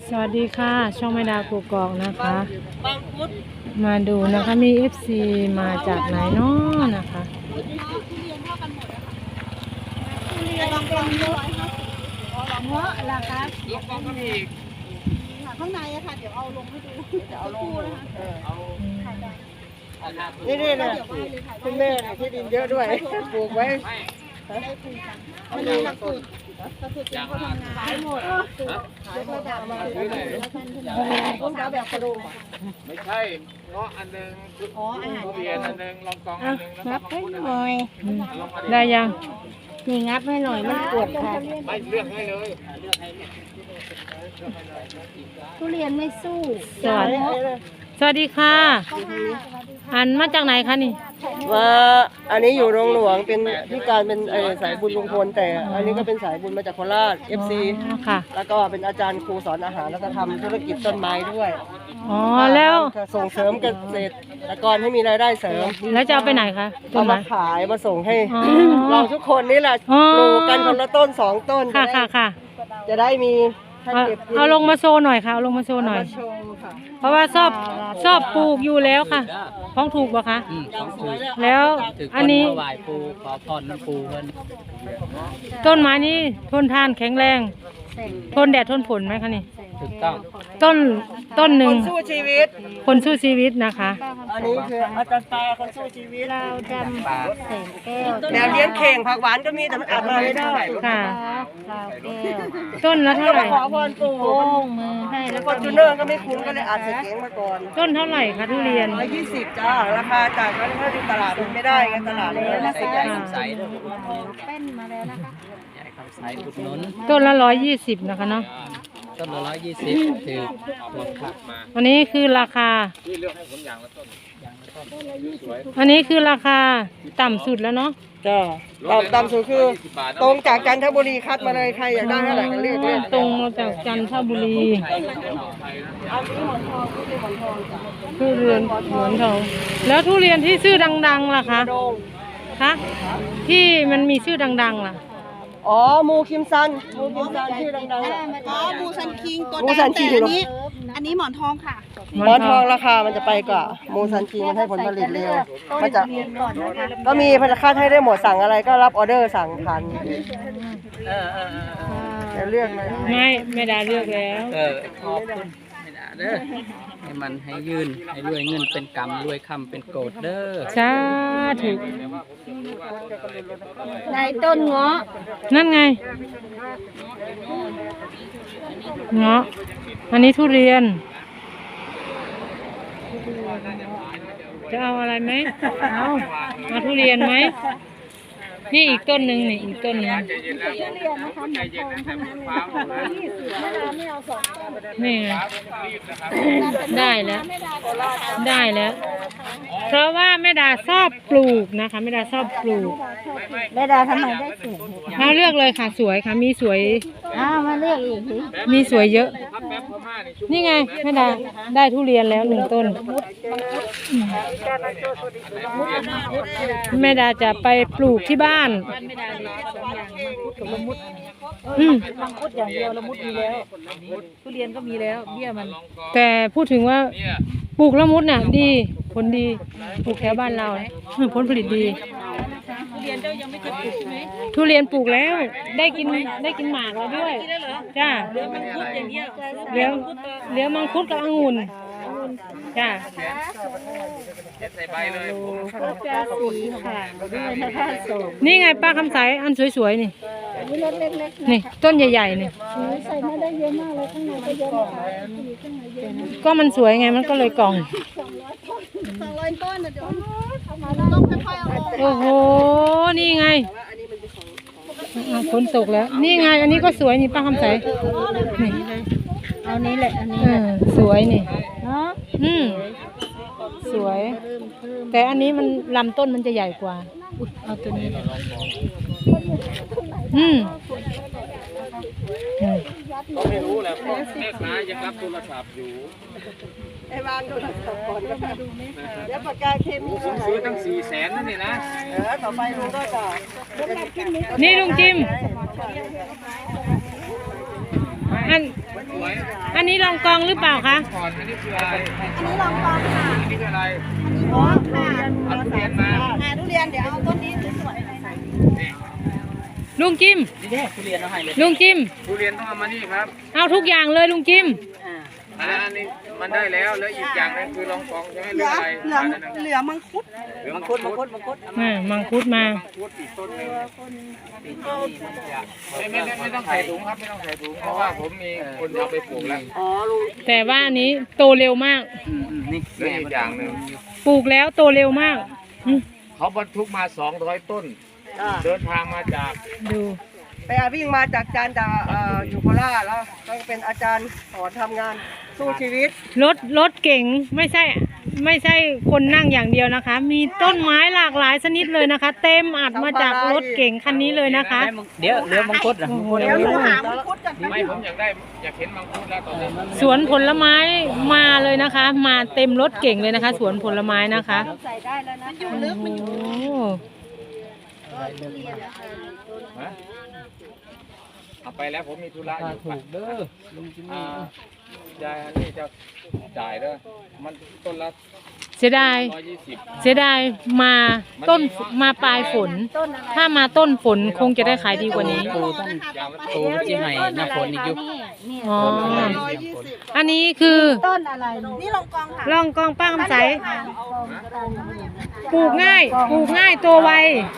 สวัสดีค่ะช่องแม่ดาวกกอกนะคะมาดูนะคะมี FC มาจากไหนเนาะนะคะลองเป็น150เงาะล่ะครับข้างในอะค่ะเดี๋ยวเอาลงให้ดูเดี๋ยวเอาลงนะคะนี่เลยคุณแม่ที่ดินเยอะด้วยปลูกไว้มันมีหลักสูตรที่เขาทำงานขายหมดขายระดับมาต้องการแบบกระดูกไม่ใช่เงาะอันหนึ่งทุเรียนอันหนึ่งลองกองอันหนึ่งแล้วงับให้หน่อยได้ยังนี่งับให้หน่อยมันปวดค่ะไม่เลือกให้เลยทุเรียนไม่สู้สวัสดีค่ะอันมาจากไหนคะนี่ว่าอันนี้อยู่โรงหลวงเป็นที่การเป็นสายบุญลุงพลแต่อันนี้ก็เป็นสายบุญมาจากโคราช FC ค่ะแล้วก็เป็นอาจารย์ครูสอนอาหารแล้วก็ทำธุรกิจต้นไม้ด้วยอ๋อแล้วส่งเสริมเกษตรกรให้มีรายได้เสริมแล้วจะเอาไปไหนคะต้เอานไม้มาขายมาส่งให้อ๋อเราทุกคนนี่แหละอ๋อปลูกกันคนละต้น2 ต้นค่ะค่ะค่ะจะได้มีให้เอาเก็บกินเอาลงมาโชว์หน่อยค่ะเอาลงมาโชว์หน่อยมาโชว์ค่ะเพราะว่าชอบปลูกอยู่แล้วค่ะท้องถูกปะคะอย่างสวยเลยแล้วอันนี้ถวายปูขอพรน้ำปูเพิ่นต้นไม้นี้ทนทานแข็งแรง ทนแดดทนฝนไหมคะนี่ถูกต้องต้นหนึ่งคนสู้ชีวิตคนสู้ชีวิตนะคะอันนี้คืออาจารย์ตาคนสู้ชีวิตเราดำแสงแก้วแนวเลี้ยงเข่งผักหวานก็มีแต่มันอาบมาไม่ได้ค่ะดาวแก้วต้นละเท่าไหร่ขอพรปู่โป้งมือให้แล้แล้ว วฟก็อร์จูเนอร์ก็ไม่คุ้นก็เลยอาจจะเก๋งมาก่อนต้นเท่าไหร่คะทุเรียน 120จ้าราคาจากนั้นถ้าดูตลาดมันไม่ได้ไงตลาดนี้นะใหญ่คำใสเด้อเป็นมาแล้วนะคะใหญ่คำใสอุดหนุนต้นละ120นะคะเนาะต้นละ120ถือหมดค่ะอันนี้คือราคาที่เลือกให้ผมอย่างละต้นอันนี้คือราคาต่ำสุดแล้วเนาะจ้าต่ำสุดคือตรงจากจันทบุรีคัดมาเลยใครอยากได้เท่าไหร่ก็เรียกเลยตรงมาจากจันทบุรีทุเรียนหมอนทอง แล้วทุเรียนที่ชื่อดังๆล่ะคะคะที่มันมีชื่อดังๆล่ะอ๋อมูคิมซันชื่อดังอ๋อบูซันคิงตัวมูซันคิงแต่อันนี้หมอนทองค่ะๆหมอนทองราคามันจะไปกว่ามูซันคิงมันให้ผลผลิตเร็วมันจะก็มีพนักงานให้ได้หมดสั่งอะไรก็รับออเดอร์สั่งทันจะเลือกเลยไม่ได้เลือกแล้วขอบคุณไม่ได้เด้อให้มันให้ยืนให้รวยเงินเป็นกำรวยคำเป็นโกดเด้อสาธุในต้นเงาะนั่นไงเงาะอันนี้ทุเรียน จะเอาอะไรไหมเอาทุเรียนไหมนี่อีกต้นหนึ่งนี่อีกต้นหนึ่งนี่ไงได้แล้วได้แล้ว เพราะว่าแม่ดาชอบปลูกนะคะแม่ดาชอบปลูกแม่ดาทำไมได้สวยมาเลือกเลยค่ะสวยค่ะมีสวยมาเลือกอีกทีมีสวยเยอะ นี่ไงแม่ดาได้ทุเรียนแล้ว1 ต้นแม่ดาจะไปปลูกที่บ้านมังคุดอย่างเดียวละมุดมีแล้วทุเรียนก็มีแล้วเบี้ยมันแต่พูดถึงว่าปลูกละมุดน่ะดีผลดีปลูกแถวบ้านเราผลผลิตดีทุเรียนเจ้ายังไม่เคยปลูกใช่ไหมทุเรียนปลูกแล้วได้กินหมากแล้วด้วยจ้าเหลือมังคุดอย่างเดียวเหลือมังคุดกับองุ่นจ้าใส่ใบเลยผมสีค่ะด้วยนะคะส่งนี่ไงป้าคำใสอันสวยๆนี่นี่รถเล็กๆนี่ต้นใหญ่ๆนี่ใส่มาได้เยอะมากเลยข้างในก็เยอะนะคะข้างในเยอะก็มันสวยไงมันก็เลยกล่อง 200 ต้นนะเดี๋ยวต้องค่อยๆเอาออกโอ้โหนี่ไงฝนตกแล้วนี่ไงอันนี้ก็สวยนี่ป้าคำใสนี่เอานี้แหละอันนี้สวยนี่เนาะสวย แต่อันนี้มันลำต้นมันจะใหญ่กว่าเอาตัวนี้ไม่รู้แหละเพราะแม่ค้ายังรับโทรศัพท์อยู่ไอ้วางโทรศัพท์ก่อนนะคะเดี๋ยวปากกาเคมีผมซื้อตั้ง400,000นั่นนี่นะต่อไปลุงก็จะนี่ลุงจิมอันวยอันนี้ลองกองหรือเปล่าคะก่อนอันนี้คืออะไรอันนี้ลองกองค่ะอันนี้คืออะไรอันนี้อ๋อค่ะเอาทุเรียนมาทุเรียนเดี๋ยวเอาต้นนี้สวยๆใส่นี่ลุงจิมนี่แน่ทุเรียนเอาให้เลยลุงจิมทุเรียนต้องเอามานี่ครับเอาทุกอย่างเลยลุงจิมอันนี้มันได้แล้วแล้วอีกอย่างนึงคือรองกองใช่ไหมหเหรือลืออะไรเหลือเหลือมังคุดหรือมัมังงคุคุดดมังคุดมังคุดมังคุดมามังคุดอีกต้นหนึงไม่ต้องใส่ถุงครับไม่ต้องใส่ถุงเพราะว่าผมมีคนเอาไปปลูกแล้วอ๋อลุงแต่ว่าอันนี้โตเร็วมากนี่แล้วอีกอย่างหนึ่งปลูกแล้วโตเร็วมากอืมเขาบรรทุกมา200 ต้น เดินทางมาจากดูไปวิ่งมาจากจานจากอยู่โคราชแล้วก็เป็นอาจารย์สอนทำงานสู้ชีวิตรถเก่งไม่ใช่คนนั่งอย่างเดียวนะคะ มีต้นไม้หลากหลายชนิดเลยนะคะ เต็มอัดมาจากรถเก่งคันนี้เลยนะคะเดี๋ยวเหลือมังคุดอ่ะมังคุดเดี๋ยวหนูหามังคุดกันไม่ผมอยากเห็นมังคุดแล้วตอนนี้สวนผลไม้มาเลยนะคะ มาเต็มรถเก่งเลยนะคะ สวนผลไม้นะคะใส่ได้แล้วนะมันอยู่ลึกมันอยู่โอ้ฮะเอาไปแล้วผมมีธุระอยู่ถูกเด้อลุงจิมมี่ยายอันนี้จะจ่ายเด้อมันต้นละเสียดาย 120 เสียดายมาต้นมาปลายฝน ถ้ามาต้นฝนคงจะได้ขายดีกว่านี้ปูต้นปูที่ให้หน้าฝนอีกยุคอ๋อ อันนี้คือต้นอะไรนี่ลองกองค่ะลองกองป้าคำใสปลูกง่ายตัวไว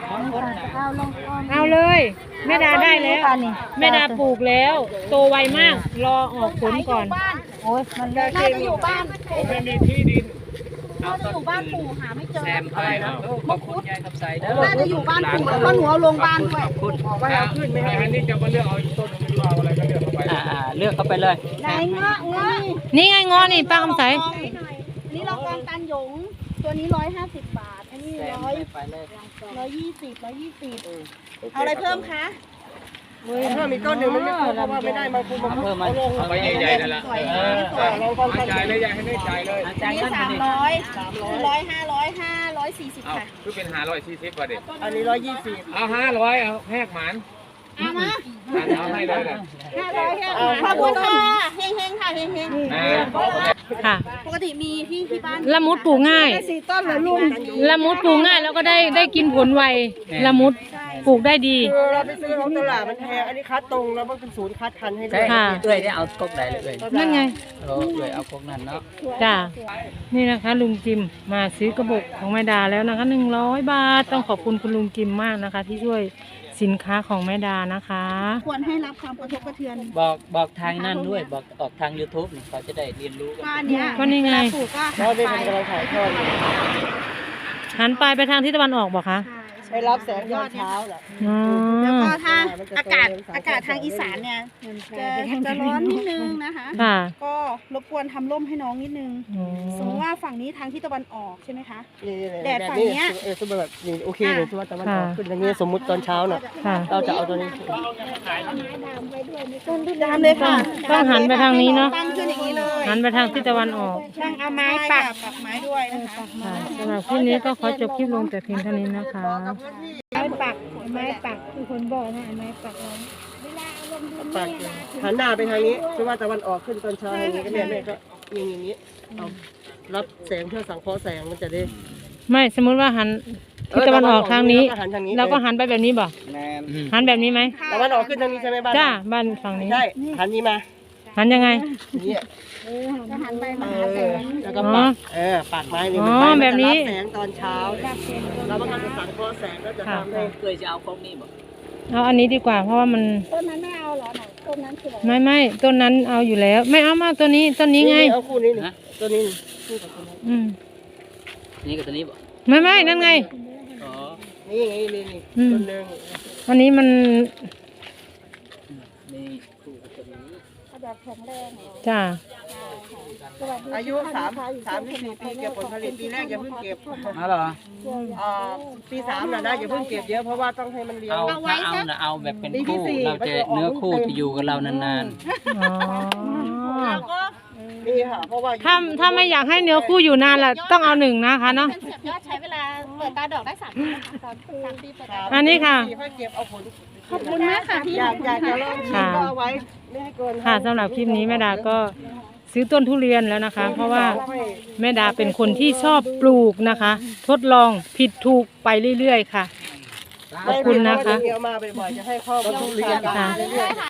เอาเลยแม่ดาได้แล้วแม่ดาปลูกแล้วโตไวมาก รอออกผลก่อนโอ้ยมันน่าจะอยู่บ้านผมไม่มีที่ดินน่าจะอยู่บ้านปู่หาไม่เจอแซมไปนะขอบคุณยายกับใส่เด้อน่าจะอยู่บ้านปู่แล้วก็หนูเอาลงบ้านด้วยบอกว่าเอาขึ้นไหมครับอันนี้จะมาเลือกเอาอีกต้นหนึ่งหรือเอาอะไรก็เลือกเข้าไปเลือกเข้าไปเลยไหนเงาะเงาะนี่ไงงอนี่ป้าคำใสนี่เรากองตันหยง ตัวนี้150 บาท อันนี้แซม 100 ไปเลย 120เอาอะไรเพิ่มคะถ้ามีต้นหนึ่งมันไม่คุ้มเพราะว่าไม่ได้มาคุ้มเอาเพิ่มมาเอาไปใหญ่ๆนั่นแหละจ่ายเลยยายให้ได้จ่ายเลยจ่ายนี่เงินมาดิ 300 540 เอาค่ะคือเป็น540บาทเด็ดอันนี้120 เอา500เอาแหกหมันเอามาเอาให้เลยแหละ 500ขอบคุณค่ะเฮงๆค่ะเฮงค่ะๆปกติมีที่บ้านละมุดปลูกง่าย 4 ต้นเหรอลุงละมุดปลูกง่ายแล้วก็ได้กินผลไวละมุดปลูกได้ดีคือเราไปซื้อของตลาดมันแพงอันนี้คัดตรงแล้วมันเป็นศูนย์คัดพันธุ์ให้ด้ใช่วยค่ะเอ้ยได้เอากกใดเลยเอ้ยนั่นไงเอ้ยเอากกนั้นเนาะจ้า นี่นะคะลุงจิมมาซื้อกระบอกของแม่ดาแล้วนะคะ100 บาท ต้องขอบคุณคุณลุงจิมมากนะคะ ที่ช่วยสินค้าของแม่ดานะคะควรให้รับความกระทบกระเทือนบอกทางนั่นด้วยบอกออกทาง YouTube นี่เขาจะได้เรียนรู้กันบ้านเนี้ยก็นี่ไงปลูกก็แล้วนี่มันกำลังถ่ายทอดอยู่หันปลายไปทางทิศตะวันออกบอกคะไปรับแสงตอนเช้าน่ะอ๋อแล้วก็ถ้าอากาศทางอีสานเนี่ยจะร้อนนิดนึงนะคะค่ะก็รบกวนทำร่มให้น้องนิดนึงอ๋อสมมติว่าฝั่งนี้ทางทิศตะวันออกใช่ไหมคะนี่แดดแบบฝั่งนี้เนี้ยสมมติแบบนี่โอเคเลยที่ว่าแต่มันออกขึ้นอย่างนี้สมมุติตอนเช้าน่ะค่ะเราจะเอาตัวนี้ตามเลยค่ะต้องหันไปทางนี้เนาะตั้งขึ้นอย่างนี้เลยหันไปทางทิศตะวันออกต้องเอาไม้ปักไม้ด้วยนะคะค่ะสำหรับคลิปนี้ก็ขอจบคลิปลงแต่เพียงเท่านี้นะคะไม้ปักคือคนบอกนะไม้ปักปักหันหน้าไปทางนี้ที่ว่าตะวันออกขึ้นตอนเช้าอย่างนี้ก็แม่ก็ยิงอย่างนี้เอารับแสงเพื่อสังเคราะห์แสงมันจะได้ไม่สมมุติว่าหันทิศตะวันออกทางนี้แล้วก็หันทางนี้เราก็หันไปแบบนี้บ่แมนหันแบบนี้ไหมตะวันออกขึ้นทางนี้ใช่ไหมบ้านจ้าบ้านฝั่งนี้ใช่หันนี้มาหันยังไงอย่างนี้จะหันไปเอมาหาแสอง แล้วก็ปักปักไม้นี่อ๋อมันแบบนี้จะรับแสงตอนเช้าแล้วมันก็จะสังเคราะห์แสงก็จะทำให้เคยจะเอากกนี้บ่เอาอันนี้ดีกว่า เพราะว่ามันต้นนั้นไม่เอาเหรอไหนต้นนั้นคืออะไรไม่ต้นนั้นเอาอยู่แล้ว ไม่เอามาตัวนี้ไงเอาคู่นี้นี่ตัวนี้คู่กับตัวนี้อืมนี่กับตัวนี้บ่ไม่นั่นไงอ๋อนี่ไงนี่อืมตัวหนึงอันนี้มันนี่คู่กับตัวนี้แบบแข็งแรงเหรอจ้าอายุ3-4 ปีเก็บผลผลิตปีแรกอย่าเพิ่งเก็บเอาเหรอปี3น่ะนะอย่าเพิ่งเก็บเยอะเพราะว่าต้องให้มันเลี้ยงเอาถ้าเอานะเอาแบบเป็นคู่เราจะเนื้อคู่จะอยู่กับเรานานอ๋อแล้วก็นี่ค่ะเพราะว่าถ้าไม่อยากให้เนื้อคู่อยู่นานล่ะต้องเอา1นะคะเนาะเป็นเสียบยอดใช้เวลาเปิดตาดอกได้3 ปีนะคะ3 ปีเปิดตาอันนี้ค่ะถ้าเก็บเอาผลขอบคุณมากค่ะพี่อยากจะลองชิมก็เอาไว้ไม่ให้เกินค่ะสำหรับคลิปนี้แม่ดาก็ซื้อต้นทุเรียนแล้วนะคะ เพราะว่าแม่ดาเป็นคนที่ชอบปลูกนะคะ ทดลองผิดถูกไปเรื่อยๆค่ะ ขอบคุณนะคะเดี๋ยวมาบ่อยๆจะให้ข้อมูลเรียนค่ะเรื่อยๆ